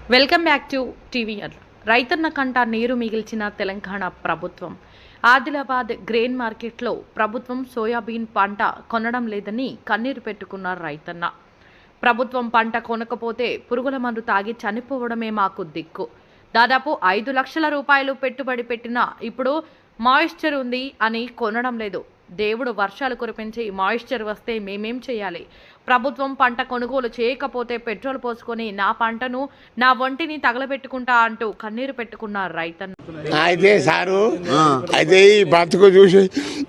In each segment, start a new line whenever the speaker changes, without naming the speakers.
Welcome back to TVR. రైతన్న కంట నీరు మిగిల్చిన తెలంగాణ ప్రభుత్వం. ఆదిలాబాద్ గ్రెయిన్ మార్కెట్లో ప్రభుత్వం సోయాబీన్ పంట కొనడం లేదని కన్నీరు పెట్టుకున్నారు రైతన్న. ప్రభుత్వం పంట కొనకపోతే పురుగుల మందు తాగి చనిపోవడమే మాకు దిక్కు. దాదాపు 5 లక్షల రూపాయలు పెట్టుబడి పెట్టినా ఇప్పుడు మాయిశ్చర్ ఉంది అని కొనడం లేదు. దేవుడు వర్షాలు కురిపించి మాయిశ్చర్ వస్తే మేమేం చేయాలి? ప్రభుత్వం పంట కొనుగోలు చేయకపోతే పెట్రోల్ పోసుకొని నా పంటను నా ఒంటిని తగలబెట్టుకుంటా అంటూ కన్నీరు పెట్టుకున్నారు రైతన్న.
అయితే సారు అయితే ఈ బతుకు చూసి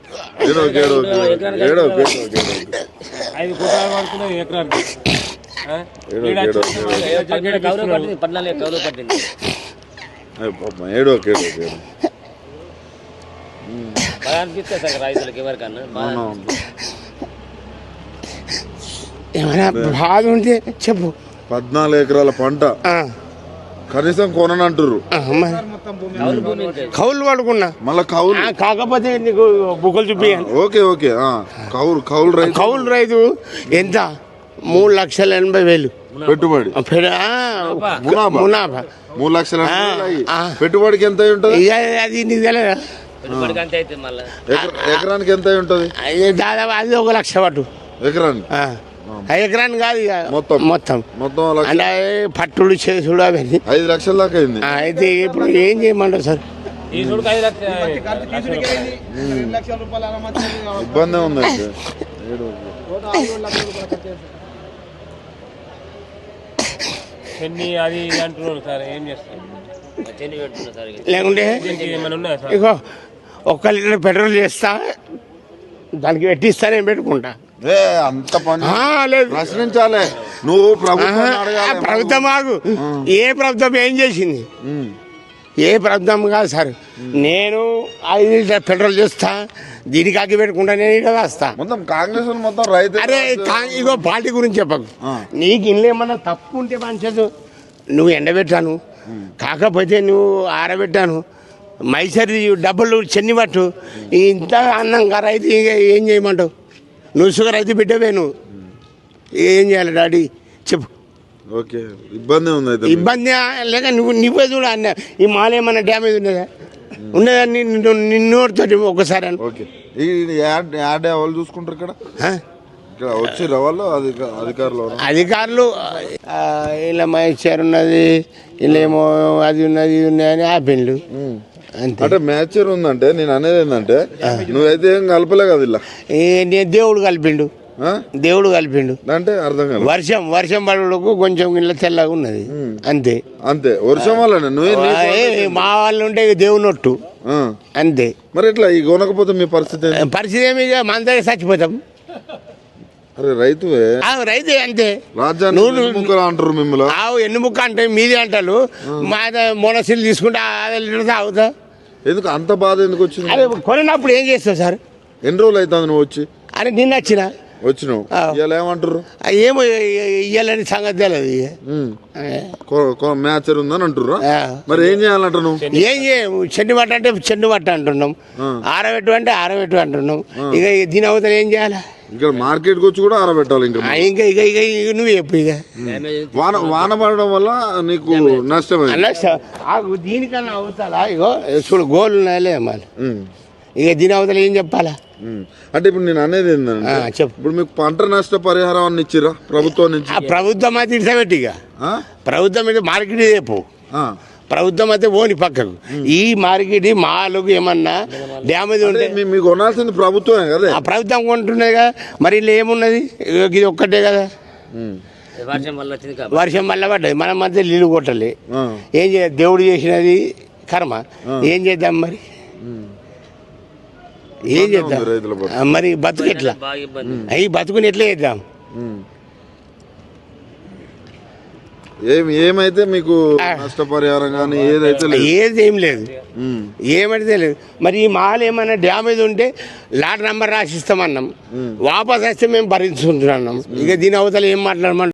ఏమైనా బాధ ఉంటే చెప్పు.
14 ఎకరాల పంట కనీసం కొననంటారు.
కౌలు పడుకున్నా
మళ్ళీ కౌలు
కాకపోతే నీకు బుక్కలు చూపించాను.
ఓకే ఓకే కౌలు రైతు.
కౌలు రైతు ఎంత 3,80,000
పెట్టుబడి.
మునాఫా
3 లక్షల పెట్టుబడికి ఎంత ఉంటుంది?
అది నీకు తెలియదా?
ఎకరానికి ఎంత ఉంటుంది?
దాదాపు అది 1 లక్ష పట్టు
ఎకరానికి.
ఎకరాన్ని కాదు మొత్తం మొత్తం
మొత్తం
అంటే పట్టుడు చేసుడు అవన్నీ
5 లక్షల దాకా అయింది.
అయితే ఇప్పుడు ఏం చేయమంటారు సార్?
ఇబ్బంది ఉంది.
లేకుంటే ఇగో 1 లీటర్ పెట్రోల్ చేస్తా దానికి పెట్టిస్తా నేను పెట్టుకుంటా.
అంత పని
లేదు
ప్రశ్నించాలి నువ్వు.
ప్రభుత్వం ఆగు. ఏ ప్రభుత్వం ఏం చేసింది? ఏ ప్రభుత్వం కాదు సార్. నేను 5 లీటర్ పెట్రోల్ చేస్తా దీనికి అగ్గి పెట్టుకుంటా నేను ఇక్కడ వస్తా.
మొత్తం కాంగ్రెస్ మొత్తం రైతు.
అరే ఇగో పార్టీ గురించి చెప్పకు. నీకు ఇల్లు ఏమన్నా తప్పు ఉంటే మంచిది. నువ్వు ఎండబెట్టాను కాకపోతే నువ్వు ఆరబెట్టాను మైసరి డబ్బులు చెన్ని పట్టు ఇంత అన్నంగా రైతు ఏం చేయమంటావు? నువ్వు షుగర్ రైతు బిడ్డవే. నువ్వు ఏం చేయాలి డాడీ చెప్పు.
ఓకే ఇబ్బంది ఉంది.
ఇబ్బంది లేక నువ్వే చూడ అన్న ఈ మాల ఏమన్నా డ్యామేజ్ ఉన్నదా? ఉన్నదా నిన్నోడితోటి ఒకసారి
ఓకే. ఈ యాడ్ వాళ్ళు చూసుకుంటారు ఇక్కడ వచ్చి వాళ్ళు
అధికారులు ఇలా మైసర్ ఉన్నది ఇలా ఏమో అది ఉన్నది ఇది ఉన్నది అని ఆపిండు.
అంటే మ్యాచర్ ఉందంటే నేను అనేది ఏంటంటే నువ్వైతే ఏం కలపలే కదా ఇలా.
దేవుడు కలిపిండు. దేవుడు కలిపిండు
అంటే అర్థం కాదు.
వర్షం పడుకు కొంచెం ఇళ్ళ తెల్లగా ఉన్నది అంతే.
అంతే వర్షం వల్ల
మా వాళ్ళు ఉంటే దేవునొట్టు అంతే.
మరి ఎట్లా ఈ కొనకపోతే మీ పరిస్థితి
ఏమి మన దగ్గర చచ్చిపోతాం.
అరే రైతువే
రైతే అంతే.
రాజ్యాన్ని అంటారు మిమ్మల్ని.
ఎన్ని ముక్క అంటే మీది అంటారు. మా మొనసీలు తీసుకుంటే తాగుతా.
ఎందుకు అంత బాధ ఎందుకు వచ్చింది?
అదే కొనినప్పుడు ఏం చేస్తావు సార్?
ఎన్ని రోజులు అవుతుంది నువ్వు వచ్చి?
అని నిన్న
వచ్చినావు ఇలా ఏమంటారు?
ఏమో ఇయ్యాలని సంగతి తెలియదు.
మ్యాచర్ ఉందని అంటుర్రు. మరి ఏం చేయాలంట నువ్వు?
ఏం చేయము. చెండు మట్ట అంటే చెండు మట్ట అంటున్నాం. ఆరబెట్టు అంటే ఆరబెట్టు అంటున్నాం. ఇక దీని అవతల ఏం చేయాలి?
ఇక్కడ మార్కెట్కి వచ్చి కూడా ఆరబెట్టాలి. ఇంకా
ఇక నువ్వు చెప్పు. ఇక
వాన పడడం వల్ల నీకు నష్టం.
దీనికన్నా అవుతాలా? ఇగో చూడు గోళ్ళు ఉన్నాయలే మళ్ళీ. ఇక దీని అవతల ఏం చెప్పాలా?
అంటే ఇప్పుడు నేను అనేది ఏంటంటే
చెప్పు.
ఇప్పుడు మీకు పంట నష్ట పరిహారం అన్ని ఇచ్చిరా ప్రభుత్వం నుంచి?
ప్రభుత్వం అయితే ఇడిసబెట్టి ఇక ప్రభుత్వం అయితే మార్కెట్ చెప్పు. ప్రభుత్వం అయితే ఓని పక్కకు ఈ మార్కెట్ మాలకు ఏమన్నా డ్యామేజ్ ఉంటే
మీకు కొనాల్సింది ప్రభుత్వమే కదా.
ప్రభుత్వం కొంటున్నాయి కదా. మరి ఇలా ఏమున్నది? ఇది ఒక్కటే కదా. వర్షం వల్ల పడ్డది. మనం మధ్య నీళ్ళు కొట్టాలి. ఏం చేయాలి? దేవుడు చేసినది కర్మ. ఏం చేద్దాం మరి? ఏం చేద్దాం మరి? బతుకు ఎట్లా? అవి బతుకుని ఎట్లా చేద్దాం?
ఏమైతే మీకు నష్టపరిహారం కానీ
ఏది ఏం లేదు. ఏమైతే లేదు. మరి ఈ మాల్ ఏమైనా డ్యామేజ్ ఉంటే లాట్ నెంబర్ రాసిస్తామన్నాం. వాపస్ వస్తే మేము భరించుకుంటున్నాం. ఇక దీని అవతల ఏం మాట్లాడమంటాం?